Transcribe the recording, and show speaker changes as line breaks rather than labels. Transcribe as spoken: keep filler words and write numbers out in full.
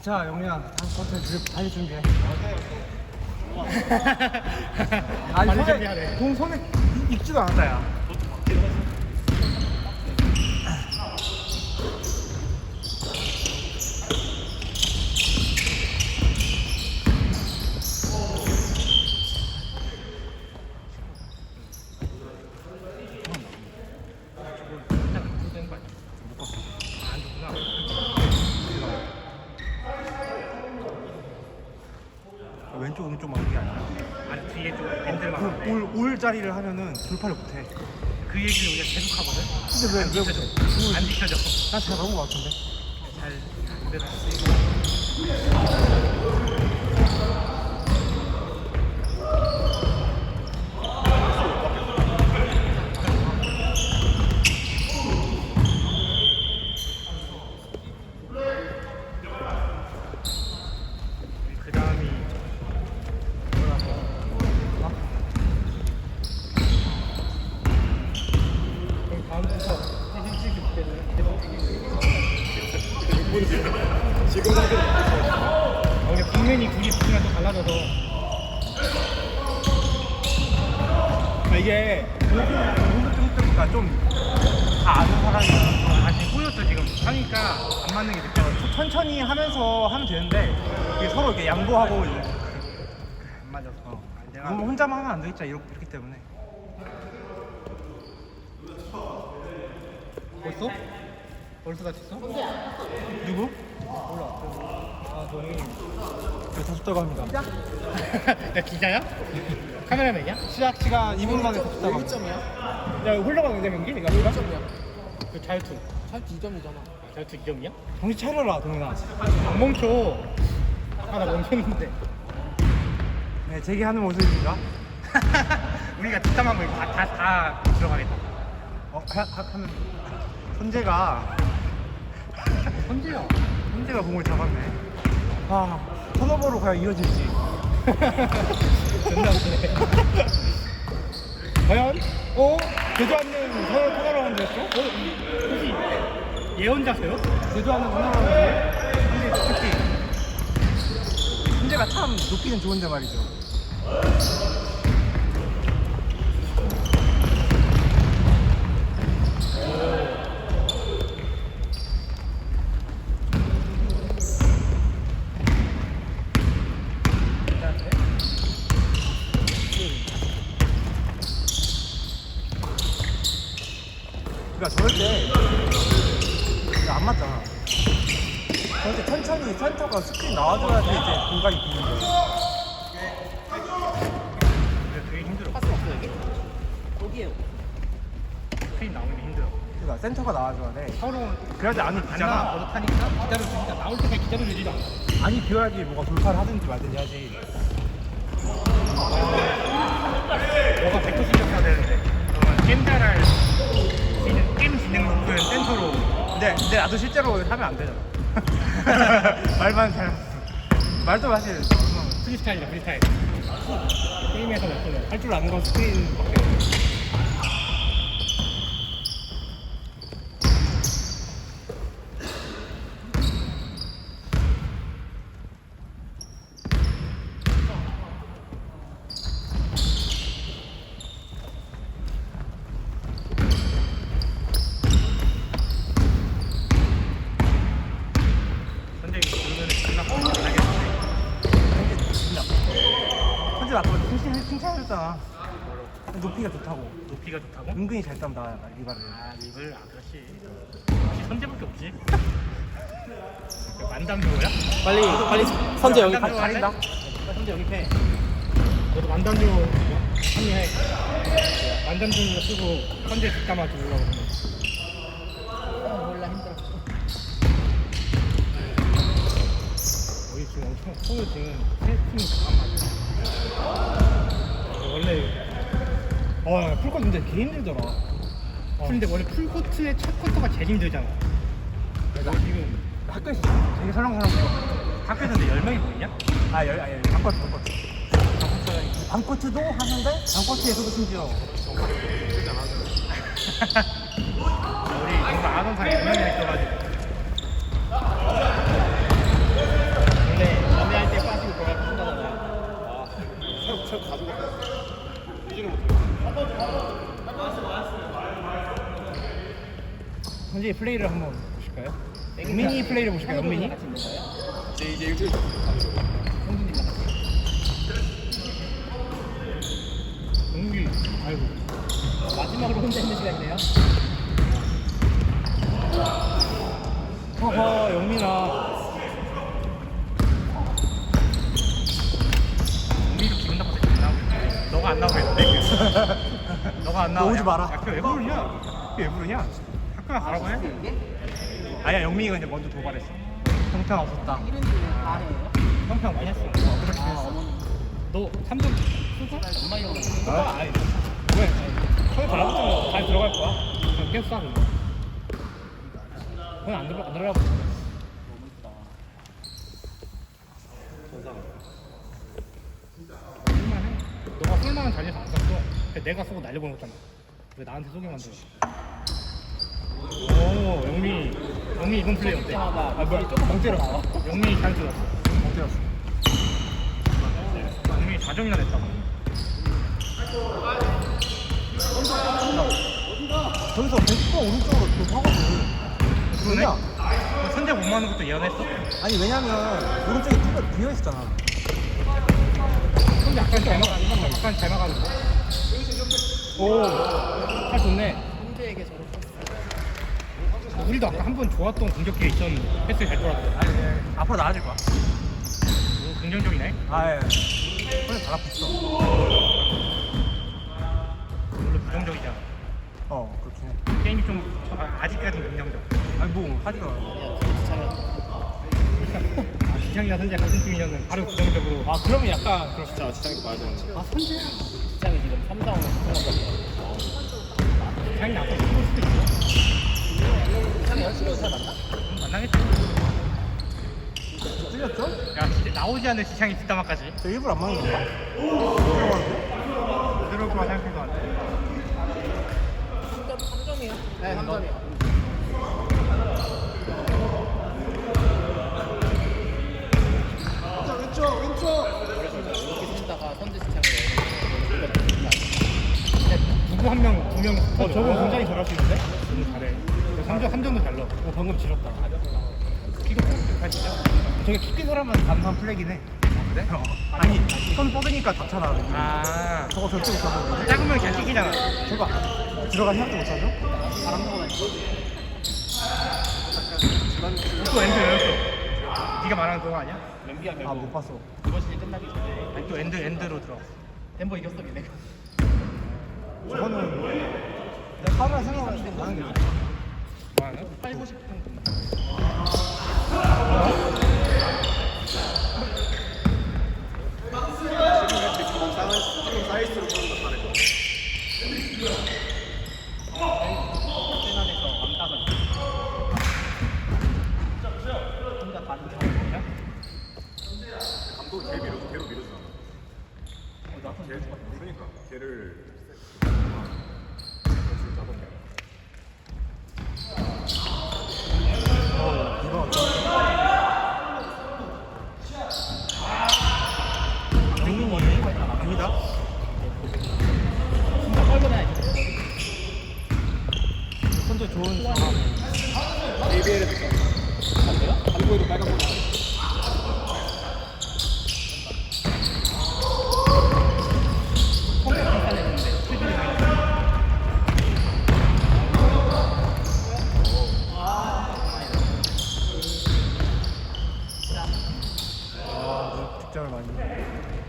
자, 영민아, 다음 쿼터 다시 준비해. 아니,
빨리
손에,
준비하래.
공 손에 익지도 않았다, 야. 왼쪽 오른쪽 막는 게 아니라
아니 뒤에 좀 밴들만 하는데
올, 올 자리를 하면은 돌파를 못해.
그 얘기를 우리가 계속 하거든.
근데 왜,
안
왜
지켜져.
못해?
안 지켜져.
난잘 나온 것 같은데.
잘안 되나? 그 다음이 그럼 다음부터 사진 찍을 때는 지금 아, 우리 국면이 구기 부기가 또 달라져서
아, 이게 공격적이니까 좀 다 아는 사람이야.
아 지금 꼬였어 지금 하니까 안 맞는 게 느껴가지고
천천히 하면서 하면 되는데 이게 서로 이렇게 양보하고 이제
안 맞아서
어.
아니, 내가
너무 혼자만 하면 안 되겠죠. 이렇- 이렇기 때문에.
벌써? 벌써 다쳤어?
누구?
몰라 아 동이
네, 다쳤다고 합니다.
야 기자야? 카메라맨이야?
시작 시간 이 분 만에 다쳤다고 합니다.
점이야?
야 흘러가는 경기? 내가
일 점이야.
그 자유투
잘 이 점이잖아.
자유투 이 점이야?
정신 차려라, 동훈아.
안 멈춰 아까 나 멈췄는데
네, 제기하는 모습입니다.
우리가 뒷담한 거 다, 다, 다 들어가겠다
어, 하, 하, 하면 선재가
선재야
선재가 공을 잡았네. 아, 턴오버로 과연 이어질지.
존나 웃기네
과연? 어? 되도 않는 서로 터널라운드였어?
어? 혹시 예언자세요?
되도 않는 터널라운드. 선재 특히 선재가 참 높이는 좋은데 말이죠. 그러니까 저럴 때 안 맞잖아. 저럴 때 천천히 센터가 스크린 나와줘야 돼 이제 공간이 비는데.
근데 되게 힘들어
파스 없어 여기? 여기에요.
스크린 나오는 게 힘들어
그러니까 센터가 나와줘야 돼.
서로
그래야지 안이
안 나와
비잖아.
버릇하니까 기다려주니까 나올 때까지 기다려주지도 않아
안이 비어야지 뭐가 돌파를 하든지 말든지 하지.
너가 백퍼 신경 써야 되는데 그러면 게임 잘할 지능, 게임 지능 높은 센터로
근데, 근데 나도 실제로 하면 안 되잖아. 말만 잘. 말도 사실.
프리스타일이야 프리스타일 게임에서 맞추는 할 줄 아는 건 스크린밖에 없어 선재 이거 보면 존나 뻔뻔하겠는데
현재 나도 칭찬, 칭찬해줬잖아. 높이가 좋다고.
높이가 좋다고?
은근히 잘 딴다, 리바를.
아 립을 아 그렇지 역시 선재밖에 없지 만담조야?
빨리 빨리 선제 여기
만담조
가.
할래?
가린다.
선재 영입해 너도 만담조 합류해 만담조 쓰고 선재 뒷담화 주려고 그러면
몰라 힘들어.
우리 지금 엄청 서울 지금 세 팀이 강한 맞아 원래
어, 풀컷 근데 개 힘들더라. 어.
근데 원래 풀코트의 첫 쿼터가 제일 힘들잖아 너 지금
학교에서 되게 설렁설렁 불어.
학교에서 근데 열 명이 보이냐?
아, 열, 아, 열, 반코트, 반코트. 반코트도 하는데, 반코트에서도 심지어.
우리 뭔가 안 온 사람이 열 명이나 있어가지고 현재 플레이를 한번 보실까요? 영민이 플레이를 보실까요? 영민이?
제이제 일주일 성준이랑 같이.
영민이 아이고
마지막으로 혼자 있는 시간이네요.
허허 영민아 영민이도 기분 나빠서 안 나오고 너가 안 나오고 했는데 너가 안 나오고
오지 마라.
야 그거 왜 부르냐? 그게 왜 부르냐? 학교가 가라고 해? 아니야 영민이가 이제 먼저 도발했어 형평 없었다
이런 식으로 다 해요?
형평 많이 했어 어, 그렇게
아,
했어
어머니.
너 삼 점 쓰고?
엄마 형.
아, 아니 왜? 거기 달라붙으면 잘 들어갈 거야 그냥 계속 쏴 그거 거기 안 들어 안 들어가고
너무 이쁘다.
쓸만해 너가 쓸만한 자리에서 안 쐈어 근데 내가 쏘고 날려보는 거잖아 왜 나한테 쏘게 만들어 오 영미 영미 이번 플레이 어때?
때마다
아 뭐야
조금
멍 때렸어
나와.
영미 잘 쏘았어 멍 때렸어 영미 사 점이나 냈다
저기서 백 번 오른쪽으로 또 하거든.
그러네?
왜냐?
너 선제 못 맞는 것도 예언했어?
아니 왜냐면 오른쪽에 뚫려 비어 있었잖아.
근데 약간 잘 막아 약간 잘 막아도 오잘 좋네
형제에게 저를 쳤어.
우리도 아까 한 번 좋았던 공격기에 있었는데 패스 잘 돌았어
아니 네. 앞으로 나아질 거야.
오, 긍정적이네
아예. 그래 달라붙어.
물론 부정적이잖아
어 그렇긴 해.
게임이 좀 아, 아직까지는 긍정적
아니 뭐 하지도 않아.
야, 진짜
아, 지창이나 선재 같은 팀이면은 바로 부정적으로
아 그러면 약간 그럴 수 있어.
아, 선재야. 지창이 지금 삼 점 삼
지창이 앞으로 뛰고 수도 있어
지창이 열심히 잘 맞나?
음, 만나겠지
뚫렸죠?
야 진짜 나오지 않은 지창이 뒷담화까지
저 일부러 안 맞는 건가? 들어가는데?
그럴 거라 생각해도 안 돼.
삼 점, 삼 점이요? 네, 삼 점이요.
왼쪽 왼쪽.
그래서 이렇게 쓰다가 선재 지창을 근데
누구 한 명, 두 명, 어, 저거 굉장히 잘할 수 있는데? 너무 잘해. 삼 점, 삼 점도 잘 넣어. 어, 방금 지렸다. 키도 잘 진짜. 저게 키큰 사람은 단판 플레이긴 해.
그래? 어. 아니 손 뻗으니까 닿잖아.
아,
저거 절대 못하고.
작으면 그냥 키기잖아.
저거 들어가 생각도 못하죠?
바람 보고 다니고.
또 엔드 열었어. 네가 말하는 그거 아니야?
램비아 결국
아 못 봤어.
이번 시즌 끝나기 전에
아니, 또 엔드, 엔드로 들어갔어.
덴버 이겼어, 걔네가.
저거는 그냥 하루에 생각하면 나는 게 좋아.
뭐 하는?
팔고 싶은 세난에서 왕따가 혼자 다
그냥?
감독이 걔 밀어줘, 걔로 밀어주잖아.
어, 나쁜
걔, 그러니까 걔를
이거
영민이 아닙니다.
진짜 뻘고 다니지.
선제 좋은 상황.
에이비엘에 들어.
안 돼요?
한국에도 빨간 거.
성격 비슷했는데 수준이
아 득점을 많이.